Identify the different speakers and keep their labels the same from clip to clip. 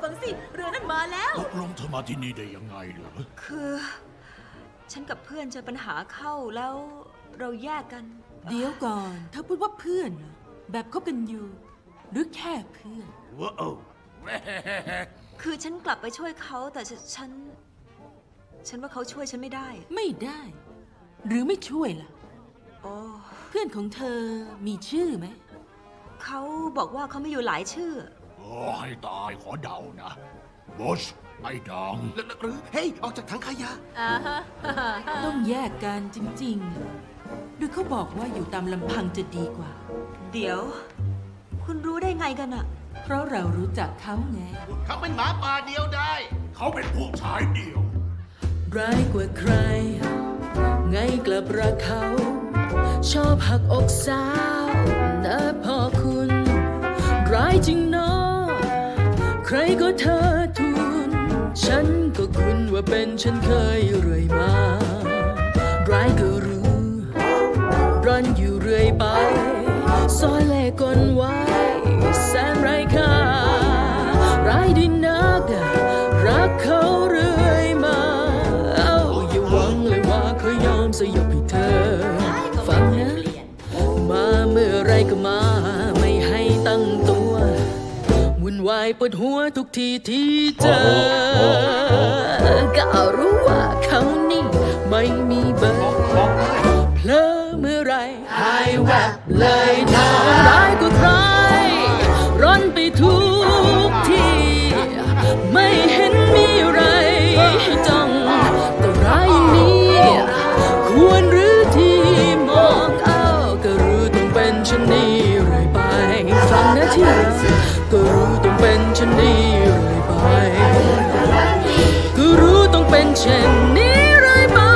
Speaker 1: ฟังสิเรือนั้นมาแล้ว
Speaker 2: ตกลงเธอมาที่นี่ได้ยังไงเหรอ
Speaker 1: คือฉันกับเพื่อนเจอปัญหาเข้าแล้วเราแยกกัน
Speaker 3: เดี๋ยวก่อนเธอพูดว่าเพื่อนเหรอแบบคบกันอยู่หรือแค่เพื่อน
Speaker 2: ว้าว
Speaker 1: คือฉันกลับไปช่วยเขาแต่ฉันว่าเขาช่วยฉันไม่ได้
Speaker 3: ไม่ได้ หรือไม่ช่วยล่ะ
Speaker 1: โอ้
Speaker 3: เพื่อนของเธอมีชื่อไหม
Speaker 1: เขาบอกว่าเขาไม่อยู่หลายชื่อ
Speaker 2: โอ้ให้ตายขอเดานะบอชไอ้ดัง
Speaker 4: หรือเฮ้ยออกจากถังขยะ
Speaker 3: ต้องแยกกันจริงๆหรือเขาบอกว่าอยู่ตามลำพังจะดีกว่า
Speaker 1: เดี๋ยวคุณรู้ได้ไงกันอะ
Speaker 3: เพราะเรารู้จักเขาไง
Speaker 4: เขาเป็นหมาป่าเดียวได้
Speaker 2: เขาเป็นผู้ชายเดียว
Speaker 3: ร้ายกว่าใครไงกลับรักเขาชอบหักอกสาวนะพ่อคุณร้ายจริงเนาะใครก็เธอทุนฉันก็คุณว่าเป็นฉันเคยเรื่อยมาร้ายก็รู้ร้อนอยู่เรื่อยไปซอยแลกกลไว้แสนไร้ค่าร้ายดีนักรักเขาเรื่อยมาอย่าหวังเลยว่าเขายอมสยบให้เธอฟังนะมาเมื่อไรก็มาไม่ให้ตั้งตัววุ่นวายปวดหัวทุกทีที่เจอก็รู้ว่าเขานี่ไม่มีเบอร์เพลอเมื่อไรหายแวบเลยทำร้ายกว่าใครร้อนไปทุกทีไม่เห็นมีอะไรให้จ้องก็ร้ายอย่างนี้ควรหรือที่มองเอาก็รู้ต้องเป็นฉันนี้เรื่อยไปฟังนะที่รักก็รู้ต้องเป็นฉันนี้เรื่อยไปก็รู้ต้องเป็นเช่นนี้เรื่อยไป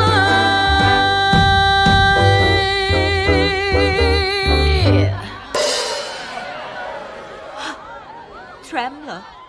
Speaker 1: แทรมป์เหรอ